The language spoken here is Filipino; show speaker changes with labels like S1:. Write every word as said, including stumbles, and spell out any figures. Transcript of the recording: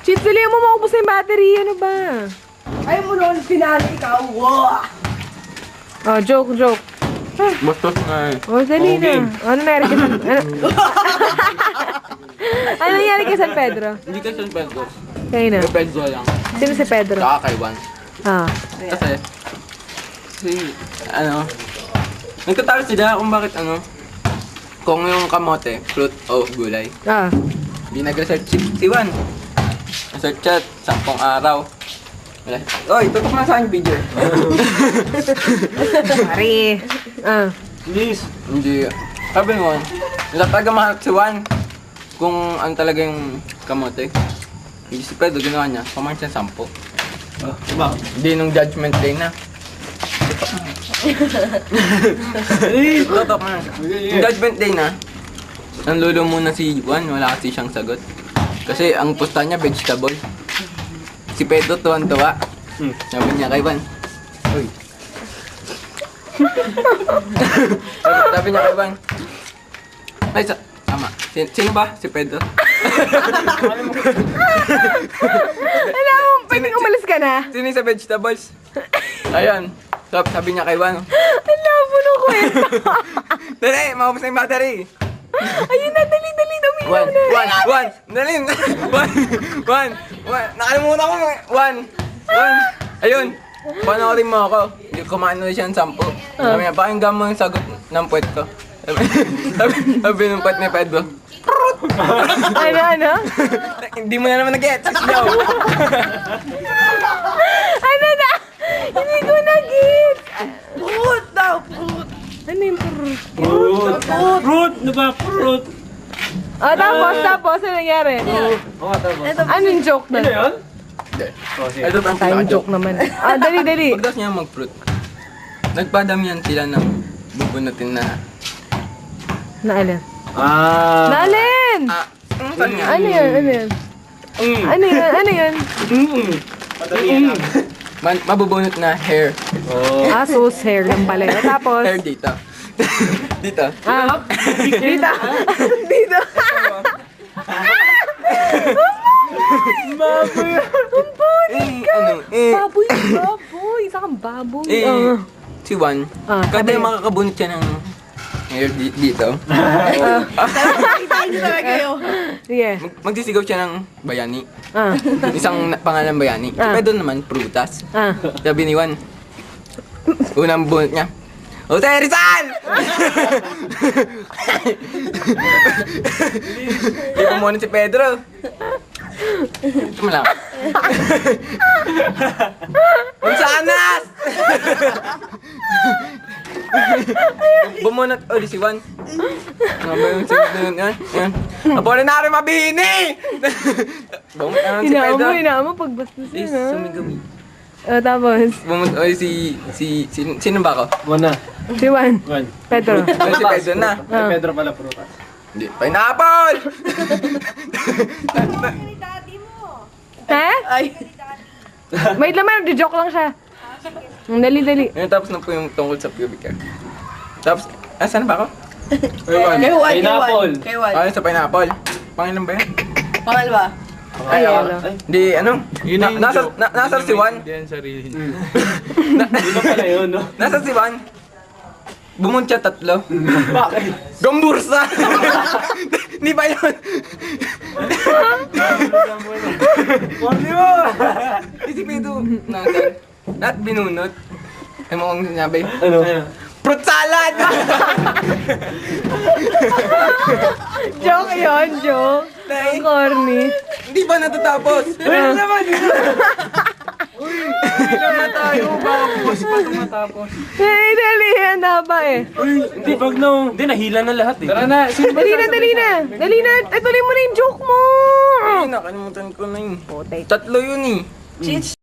S1: Cheats, dali mo maubos na yung battery. Ano ba?
S2: Ayaw mo noon, pinali ikaw. Wow!
S1: Oh, joke, joke.
S3: Bastos na eh.
S1: Oh, dali na. Ano nangyari kay San... Ano? Ano nangyari kay San Pedro?
S3: Hindi ka San Pedro.
S1: Kayo na.
S3: Kay Pedro lang.
S1: Sino si Pedro?
S3: Saka kay Juan.
S1: Ah.
S3: Kasi, si, ano, nagtataka sila kung bakit ano, kung yung kamote, fruit o gulay.
S1: Ah.
S3: Hindi nag-research si, si Juan. Research chat, sampung araw. Wala. Oy, tutok na sa akin video.
S1: Pare. Ah.
S3: Please. Hindi. Sabi mo, nataga mahal si Juan kung ano talaga yung kamote. Hindi si Pedro, ginawa niya, kumain siya sampo.
S4: Oh, diba?
S3: Hindi nung judgment day na. Tutok na. Yung judgment day na, nanlulo muna si Juan, wala kasi siyang sagot. Kasi ang pusta niya, vegetable. Si Pedro tuwan-tuwa.
S4: Hmm.
S3: Sabi niya kay Juan, uy. sabi, sabi niya kay Juan, ay, sa, tama. Sino, sino ba? Si Pedro?
S1: Alam mo, pwedeng umalis ka na.
S3: Sino yung sa vegetables? Ayun. Sabi, sabi niya kay Juan,
S1: Alam mo nung kwento.
S3: dali, maubos na yung battery.
S1: Ayun na, dali, dali, uminom
S3: One,
S1: na.
S3: one, one, dali. One, one, one. Nakalimutan ko. One, one. Ayun. Panoorin mo ako. Hindi kumain ulit siya ng sampo. Sabi niya, pakinggan mo yung sagot ng puwet ko. Sabi, sabi, sabi ng puwet ni Pedro.
S1: Ano, ano?
S3: Hindi mo na naman nag-get. Yo.
S1: Ano na? Hindi ko na-get.
S2: Fruit daw, fruit.
S1: Ano yung purr?
S4: Fruit! Fruit! Ano ba? Fruit!
S1: Ah, tapos, tapos, ano nangyari?
S4: Oo nga, tama.
S1: Ano yung joke na?
S4: Ano yun?
S3: Hindi.
S4: Oh, sige.
S3: Ito ang
S1: Tayong joke naman. Ah, dali, dali.
S3: Pagdas niya mag-fruit. Nagpadamihan sila ng bubunutin na...
S1: Naalin.
S4: Ah!
S1: Naalin!
S3: Ah, ang kanya.
S1: Ano yun? Ano yun?
S4: Mm.
S1: Ano yun? Ano yun?
S4: Mm. Padamihan lang.
S3: Man, mabubunot na hair.
S4: Oh.
S1: Ah, sus, hair lang pala yun. Tapos,
S3: Hair dito. dito.
S1: ah, dito. Dito. Baboy. Ang baboy.
S3: Eh, ano, eh,
S1: Baboy, baboy. Isa kang baboy.
S3: eh,
S1: Ah.
S3: si Juan,
S1: Ah,
S3: kada
S1: sabi-
S3: makakabunot siya ng hair di- dito,
S2: Kita niyo talaga kayo.
S1: Sige.
S3: mag- magsisigaw siya ng bayani.
S1: Ah.
S3: Isang na- pangalan bayani. Si
S1: Ah.
S3: Pedro naman, prutas.
S1: Ah.
S3: Sabi ni Juan, unang bunot niya, Jose Rizal! Hindi ko muna si Pedro. Ito mo lang. Mansanas! Bumunot ulit si Juan. Ano ba yung sunod na yun? Yan, yan. Apolinary mabini! Bumunot naman si
S1: Hinaan
S3: Pedro.
S1: mo, hinaan mo pagbastos
S3: Please,
S1: yun, ha?
S3: sumigaw.
S1: Ah, tapos,
S3: Bumunot ulit si... si... si... Sino ba ako?
S4: Muna.
S1: si Juan.
S4: Juan.
S1: Pedro.
S3: Ulit si Pedro na.
S1: Ah.
S4: Pedro pala prutas.
S3: Hindi. Pineapple!
S1: Ha?
S2: Ay.
S1: Wait lang man, joke lang siya. Ang dali, dali.
S3: Ngayon tapos na po yung tungkol sa pubic hair. Tapos, asan ba ako?
S4: Kay Juan.
S2: Kay Juan, kay Juan.
S4: Pineapple.
S2: Kay Juan.
S3: Ay, sa pineapple. Pangilan ba yan?
S2: Pangalawa.
S1: Ay,
S3: ako.
S1: ano.
S3: Hindi, ano? Na, nasa, na, nasa si Juan.
S4: Di ba pala yun, no?
S3: Nasa si Juan. Bumunot siya tatlo.
S4: Bakit?
S3: Gambursa! Hindi ba yun?
S4: Hindi mo!
S3: Isipin ito. Nasaan? At binunot. Ay mo kong sinabi.
S4: Ano?
S3: Fruit salad!
S1: Joke yun, joke.
S3: Tay.
S1: Ang corny.
S3: Hindi ba natatapos?
S4: Ano naman?
S3: Ilan na tayo? Baka bukas pa ito matapos.
S1: Dali, dali. Handa pa eh.
S4: Hindi, pag no. Hindi, nahila na lahat eh.
S3: Tara na. Sino ba
S1: Dali na, dali na. Dali na. Ay, tuloy mo na yung joke mo.
S3: Ay, nakalimutan ko na yun. Tatlo yun eh.
S2: Cheats.